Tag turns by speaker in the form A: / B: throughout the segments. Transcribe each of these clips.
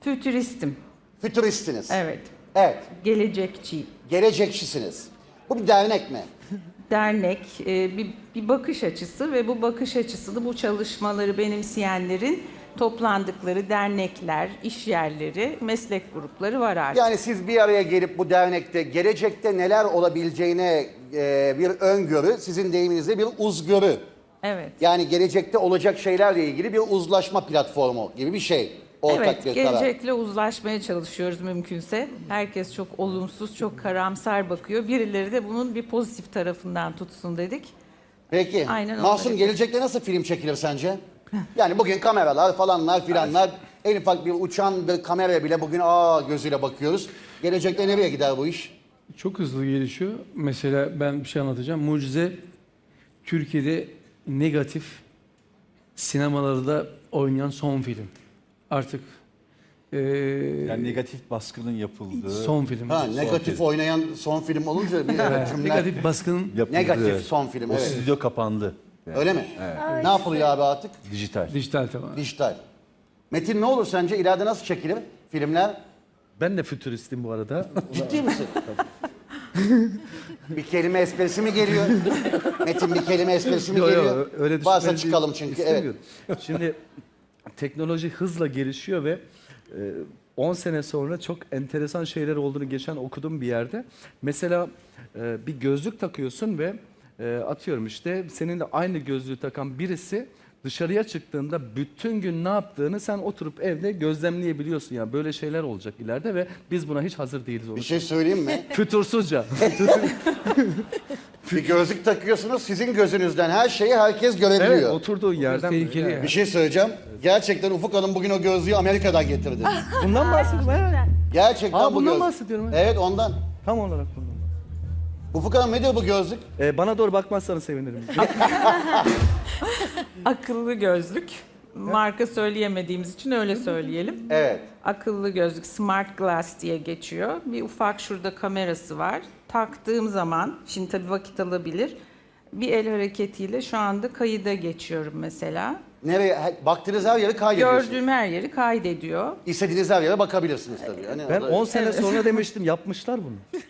A: Fütüristim.
B: Fütüristiniz.
A: Evet.
B: Evet.
A: Gelecekçi.
B: Gelecekçisiniz. Bu bir dernek mi?
A: Dernek, bir bakış açısı ve bu bakış açısını, bu çalışmaları benimseyenlerin toplandıkları dernekler, iş yerleri, meslek grupları var artık.
B: Yani siz bir araya gelip bu dernekte gelecekte neler olabileceğine bir öngörü, sizin deyiminizde bir uzgörü.
A: Evet.
B: Yani gelecekte olacak şeylerle ilgili bir uzlaşma platformu gibi bir şey. Ortak
A: Evet,
B: bir karar.
A: gelecekle uzlaşmaya çalışıyoruz mümkünse. Herkes çok olumsuz, çok karamsar bakıyor. Birileri de bunun bir pozitif tarafından tutsun dedik.
B: Peki.
A: Aynen onları
B: Mahsun,
A: yapıyoruz.
B: gelecekte nasıl film çekilir sence? Yani bugün kameralar falanlar filanlar, en ufak bir uçan bir kameraya bile bugün gözüyle bakıyoruz. Gelecekte nereye gider bu iş?
C: Çok hızlı gelişiyor. Mesela ben bir şey anlatacağım. Mucize, Türkiye'de negatif sinemalarda oynayan son film. Artık
D: Yani negatif baskının yapıldığı.
C: son film.
B: Ha, negatif oynayan son film olunca bir cümle.
C: Negatif baskının
D: yapıldığı.
B: Negatif son film,
D: O
B: evet.
D: stüdyo kapandı. Yani
B: Öyle mi? Ne yapılıyor abi artık?
D: dijital.
C: dijital tamamen.
B: Dijital. Metin, ne olur sence? İleride nasıl çekilir filmler?
E: Ben de fütüristim bu arada.
B: Ciddi misin? Bir kelime esprisi mi geliyor? Metin, bir kelime esprisi mi
E: Yo, yo,
B: geliyor?
E: öyle
B: Varsa
E: düşünmeni
B: çıkalım çünkü. Evet.
E: istemiyorum. Şimdi teknoloji hızla gelişiyor ve 10 sene sonra çok enteresan şeyler olduğunu geçen okudum bir yerde. Mesela bir gözlük takıyorsun ve atıyorum işte seninle aynı gözlüğü takan birisi dışarıya çıktığında bütün gün ne yaptığını sen oturup evde gözlemleyebiliyorsun. Yani böyle şeyler olacak ileride ve biz buna hiç hazır değiliz.
B: Bir şey söyleyeyim mi?
E: Fütursuzca.
B: Bir gözlük takıyorsunuz, sizin gözünüzden her şeyi herkes
E: Evet,
B: görebiliyor.
E: oturduğun yerden.
C: Tehlikeli yani.
B: Bir şey söyleyeceğim. Gerçekten Ufuk Hanım bugün o gözlüğü Amerika'dan getirdi.
E: Bundan bahsediyorum. Evet.
B: Gerçekten bu
E: Bundan
B: gözlük.
E: bahsediyorum. Evet.
B: Evet, ondan.
E: Tam olarak bundan.
B: Ufuk Hanım, nedir bu gözlük?
E: Bana doğru bakmazsanız sevinirim.
A: Akıllı gözlük. Marka söyleyemediğimiz için öyle söyleyelim.
B: Evet.
A: Akıllı gözlük, smart glass diye geçiyor. Bir ufak şurada kamerası var. Taktığım zaman, şimdi tabii vakit alabilir. Bir el hareketiyle şu anda kayıda geçiyorum mesela.
B: Nereye? Baktığınız her yeri kaydediyorsunuz.
A: Gördüğüm her yeri kaydediyor.
B: İstediğiniz her yere bakabilirsiniz tabii. Hani
E: Ben
B: o da-
E: 10 sene sonra demiştim, yapmışlar bunu.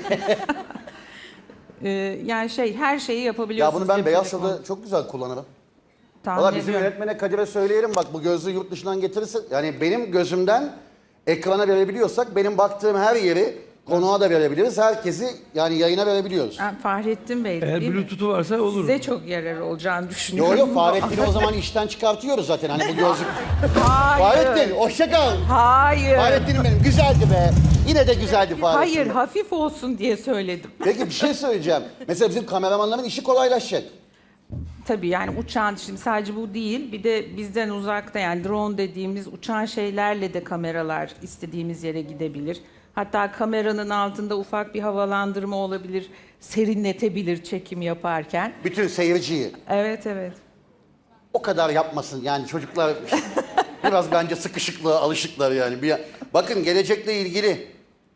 A: Yani her şeyi
B: Ya
A: yapabiliyorsunuz.
B: bunu ben
A: cep
B: Beyaz
A: telefonu.
B: Show'da çok güzel kullanırım.
A: Tahmin
B: Valla bizim
A: ediyorum.
B: yönetmene Kadir'e söyleyelim, bak bu gözlüğü yurt dışından getirirse, yani benim gözümden ekrana verebiliyorsak benim baktığım her yeri konuğa da verebiliriz. Herkesi yani yayına verebiliyoruz.
A: Ha, Fahrettin Bey
C: Eğer
A: değil mi?
C: Bluetooth'u varsa olur.
A: Size çok yarar olacağını
B: Yo
A: düşünüyorum.
B: yo, Fahrettin'i o zaman işten çıkartıyoruz zaten, hani bu gözlük.
A: Hayır.
B: Fahrettin hoşça kal.
A: Hayır.
B: Fahrettin'im benim, güzeldi be. Yine de güzeldi Fahrettin.
A: Hayır, hafif olsun diye söyledim.
B: Peki bir şey söyleyeceğim. Mesela bizim kameramanların işi kolaylaşacak.
A: Tabii yani uçan, şimdi sadece bu değil, bir de bizden uzakta yani drone dediğimiz uçan şeylerle de kameralar istediğimiz yere gidebilir. Hatta kameranın altında ufak bir havalandırma olabilir, serinletebilir çekim yaparken.
B: Bütün seyirciyi.
A: Evet, evet.
B: O kadar yapmasın yani çocuklar biraz bence sıkışıklığa alışıklar yani. Bakın gelecekle ilgili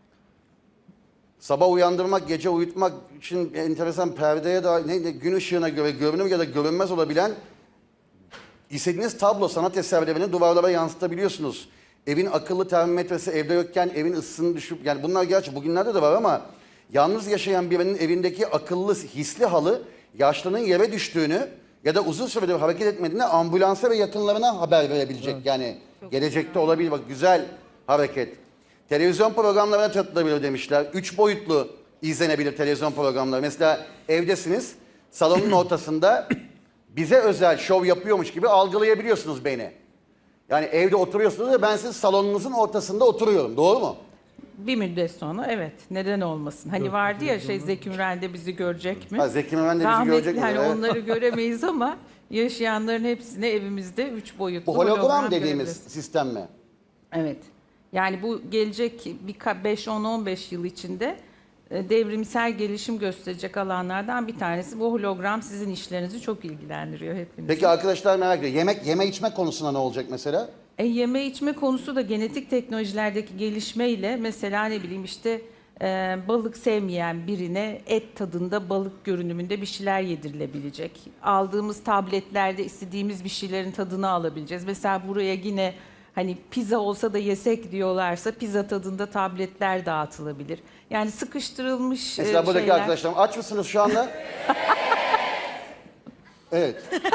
B: sabah uyandırmak, gece uyutmak için enteresan perdeye dair gün ışığına göre görünür ya da görünmez olabilen istediğiniz tablo sanat eserlerini duvarlara yansıtabiliyorsunuz. Evin akıllı termometresi evde yokken evin ısısını düşüp, yani bunlar gerçi bugünlerde de var ama yalnız yaşayan birinin evindeki akıllı hisli halı yaşlının yere düştüğünü ya da uzun süredir hareket etmediğini ambulansa ve yakınlarına haber verebilecek. Yani gelecekte olabilir, bak güzel hareket. Televizyon programlarına katılabilir demişler. 3 boyutlu izlenebilir televizyon programları. Mesela evdesiniz, salonun ortasında bize özel şov yapıyormuş gibi algılayabiliyorsunuz beni. Yani evde oturuyorsunuz ve ben sizin salonunuzun ortasında oturuyorum. Doğru mu?
A: Bir müddet sonra evet, neden olmasın? Hani vardı ya Zeki Müren de bizi görecek mi?
B: Ha, Zeki Müren de bizi
A: Rahmetli,
B: görecek mi?
A: hani
B: Evet.
A: onları göremeyiz ama yaşayanların hepsine evimizde 3 boyutlu
B: Bu hologram dediğimiz
A: görebiliriz.
B: sistem mi?
A: Evet. Yani bu gelecek 5-10-15 yıl içinde devrimsel gelişim gösterecek alanlardan bir tanesi. Bu hologram sizin işlerinizi çok ilgilendiriyor hepinizi.
B: Peki arkadaşlar merak ediyor. Yeme içme konusunda ne olacak mesela?
A: Yeme içme konusu da genetik teknolojilerdeki gelişmeyle mesela ne bileyim işte balık sevmeyen birine et tadında balık görünümünde bir şeyler yedirilebilecek. Aldığımız tabletlerde istediğimiz bir şeylerin tadını alabileceğiz. Mesela buraya yine Hani pizza olsa da yesek diyorlarsa pizza tadında tabletler dağıtılabilir. Yani sıkıştırılmış
B: Mesela buradaki
A: şeyler.
B: arkadaşlarım aç mısınız şu anda? Evet.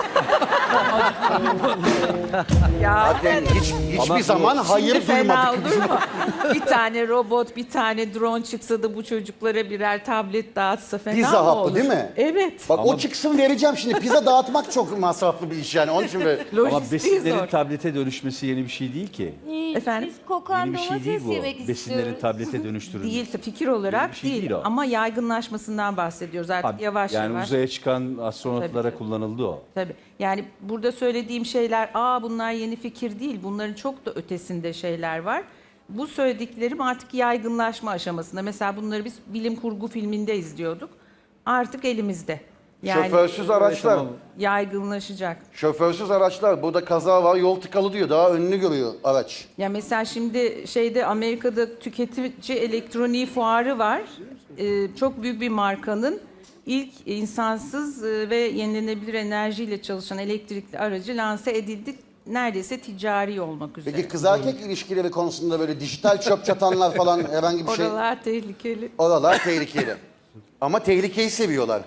A: Ya
B: Zaten hiçbir zaman
A: şimdi
B: hayır
A: fena
B: duymadık.
A: olur mu? Bir tane robot, bir tane drone çıksa da bu çocuklara birer tablet dağıtsa fena
B: Pizza
A: mı
B: hapı
A: olur?
B: değil mi?
A: Evet.
B: Bak o çıksın vereceğim şimdi. Pizza dağıtmak çok masraflı bir iş yani. Onun için böyle...
D: Ama
A: Lojistiği
D: besinlerin
A: zor.
D: tablete dönüşmesi yeni bir şey değil ki.
A: Efendim?
F: Biz kokan
D: Yeni bir şey değil
F: domates
D: bu.
F: yemek
D: Besinlerin
F: istiyoruz.
D: tablete dönüştürülmesi.
A: Değil, fikir olarak
D: bir şey
A: değil,
D: değil o.
A: ama yaygınlaşmasından bahsediyoruz artık
D: Abi,
A: yavaş
D: yani
A: yavaş.
D: uzaya çıkan astronotlara
A: Tabii.
D: kullanıldı o.
A: Tabii. Yani burada söylediğim şeyler, bunlar yeni fikir değil. Bunların çok da ötesinde şeyler var. Bu söylediklerim artık yaygınlaşma aşamasında. Mesela bunları biz bilim kurgu filminde izliyorduk. Artık elimizde. Yani
B: Şoförsüz araçlar.
A: yaygınlaşacak.
B: Şoförsüz araçlar. Burada kaza var, yol tıkalı diyor. Daha önünü görüyor araç.
A: Ya mesela şimdi Amerika'da tüketici elektroniği fuarı var. Çok büyük bir markanın ilk insansız ve yenilenebilir enerjiyle çalışan elektrikli aracı lanse edildi. Neredeyse ticari olmak üzere.
B: Peki kız erkek ilişkileri konusunda böyle dijital çöp çatanlar falan herhangi bir şey...
A: Oralar tehlikeli.
B: Oralar tehlikeli. Ama tehlikeyi seviyorlar.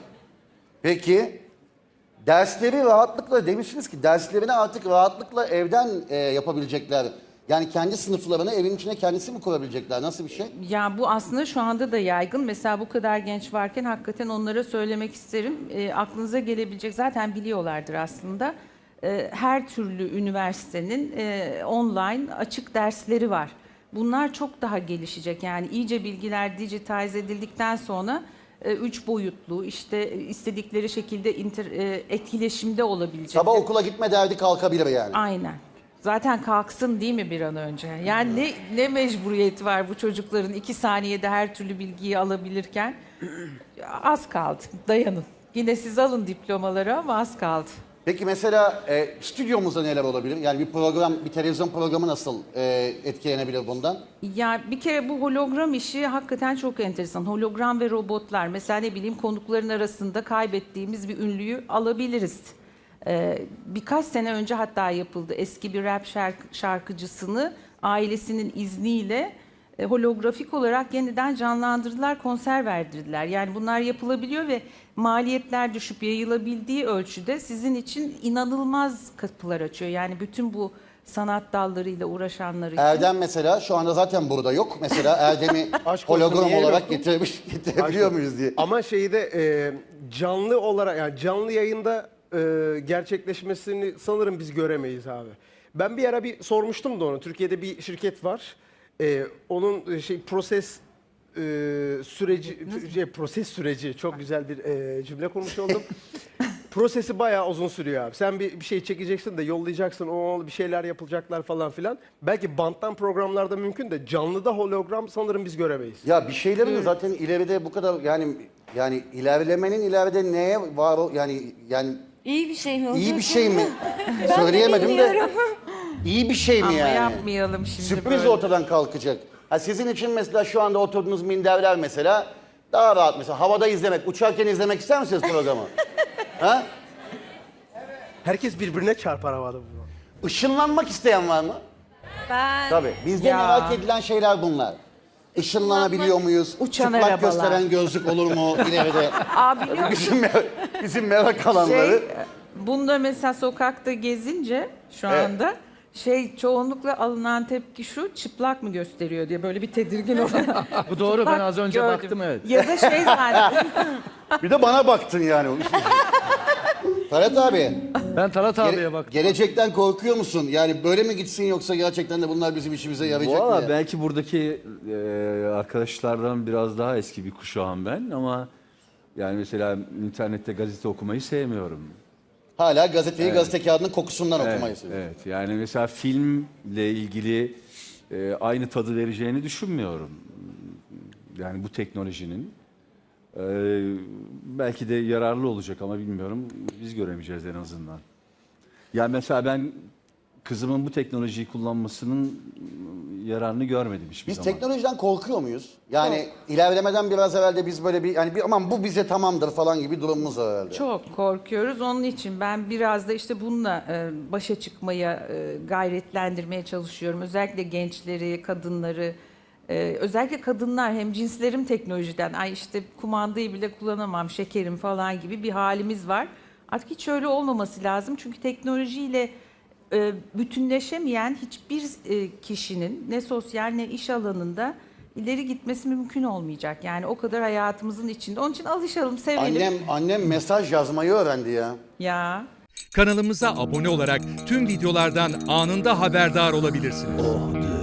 B: Peki dersleri rahatlıkla demişsiniz ki derslerini artık rahatlıkla evden yapabilecekler. Yani kendi sınıflarını evin içine kendisi mi kurabilecekler? Nasıl bir şey?
A: Ya bu aslında şu anda da yaygın. Mesela bu kadar genç varken hakikaten onlara söylemek isterim. Aklınıza gelebilecek, zaten biliyorlardır aslında. Her türlü üniversitenin online açık dersleri var. Bunlar çok daha gelişecek. Yani iyice bilgiler dijitalize edildikten sonra 3 boyutlu, işte istedikleri şekilde etkileşimde olabilecek.
B: Sabah okula gitme derdi kalkabilir yani.
A: Aynen. Zaten kalksın değil mi bir an önce? Yani ne mecburiyeti var bu çocukların 2 saniyede her türlü bilgiyi alabilirken? Az kaldı. Dayanın. Yine siz alın diplomaları ama az kaldı.
B: Peki mesela stüdyomuzda neler olabilir? Yani bir program, bir televizyon programı nasıl etkilenebilir bundan?
A: Ya bir kere bu hologram işi hakikaten çok enteresan. Hologram ve robotlar. Mesela ne bileyim konukların arasında kaybettiğimiz bir ünlüyü alabiliriz. Birkaç sene önce hatta yapıldı. Eski bir rap şarkıcısını ailesinin izniyle holografik olarak yeniden canlandırdılar, konser verdirdiler. Yani bunlar yapılabiliyor ve maliyetler düşüp yayılabildiği ölçüde sizin için inanılmaz kapılar açıyor. Yani bütün bu sanat dallarıyla uğraşanlar için.
B: Erdem mesela şu anda zaten burada yok. Mesela Erdem'i
G: Aşk olsun,
B: hologram
G: niye
B: olarak
G: yoktu?
B: getirebiliyor muyuz diye.
G: Ama canlı olarak yani canlı yayında gerçekleşmesini sanırım biz göremeyiz abi. Ben bir ara bir sormuştum da onu. Türkiye'de bir şirket var. Onun proses süreci çok güzel bir cümle kurmuş oldum. Prosesi bayağı uzun sürüyor abi. Sen bir şey çekeceksin de yollayacaksın, o bir şeyler yapılacaklar falan filan. Belki banttan programlarda mümkün de canlıda hologram sanırım biz göremeyiz.
B: Ya bir şeylerin de zaten ileride bu kadar yani ilerlemenin ileride neye var yani
F: İyi bir şey mi?
B: iyi bir şey mi? Söyleyemedim de iyi bir şey mi
A: Ama
B: yani?
A: yapmayalım şimdi
B: Sürpriz
A: böyle.
B: ortadan kalkacak. Ha sizin için mesela şu anda oturduğunuz minderler mesela daha rahat mesela havada izlemek, uçarken izlemek ister misiniz programı? Ha?
G: Herkes birbirine çarpar havada bunu.
B: Işınlanmak isteyen var mı?
F: Ben
B: Tabii. Bizde
A: Ya.
B: merak edilen şeyler bunlar. Işınlanabiliyor muyuz?
A: Uçan
B: Çıplak
A: arabalar.
B: gösteren gözlük olur mu ileride?
A: Biliyor musun?
B: bizim merak alanları.
A: Bunda mesela sokakta gezince şu
B: Evet.
A: anda çoğunlukla alınan tepki şu, çıplak mı gösteriyor diye böyle bir tedirgin oluyor.
C: Bu doğru, ben
A: Bak,
C: az önce
A: gördüm.
C: baktım, evet.
A: Ya da zaten.
B: Bir de bana baktın yani. Talat abi,
C: Ben Talat abiye baktım.
B: gelecekten korkuyor musun? Yani böyle mi gitsin yoksa gerçekten de bunlar bizim işimize yarayacak mı?
D: Valla
B: ya?
D: belki buradaki arkadaşlardan biraz daha eski bir kuşağım ben ama yani mesela internette gazete okumayı sevmiyorum.
B: Hala gazeteyi gazete kağıdının kokusundan okumayı seviyorum.
D: Evet, yani mesela filmle ilgili aynı tadı vereceğini düşünmüyorum. Yani bu teknolojinin. Belki de yararlı olacak ama bilmiyorum. Biz göremeyeceğiz en azından. Yani mesela ben kızımın bu teknolojiyi kullanmasının yararını görmedim hiçbir
B: Biz
D: zaman.
B: teknolojiden korkuyor muyuz? Yani ilerlemeden biraz evvel de biz böyle aman bu bize tamamdır falan gibi durumumuz var herhalde.
A: Çok korkuyoruz. Onun için ben biraz da işte bununla başa çıkmaya, gayretlendirmeye çalışıyorum. Özellikle gençleri, kadınları, özellikle kadınlar hemcinslerim teknolojiden, ay işte kumandayı bile kullanamam, şekerim falan gibi bir halimiz var. Artık hiç öyle olmaması lazım. Çünkü teknolojiyle bütünleşemeyen hiçbir kişinin ne sosyal ne iş alanında ileri gitmesi mümkün olmayacak. Yani o kadar hayatımızın içinde. Onun için alışalım, sevelim.
B: Annem mesaj yazmayı öğrendi ya.
A: Ya.
H: Kanalımıza abone olarak tüm videolardan anında haberdar olabilirsiniz.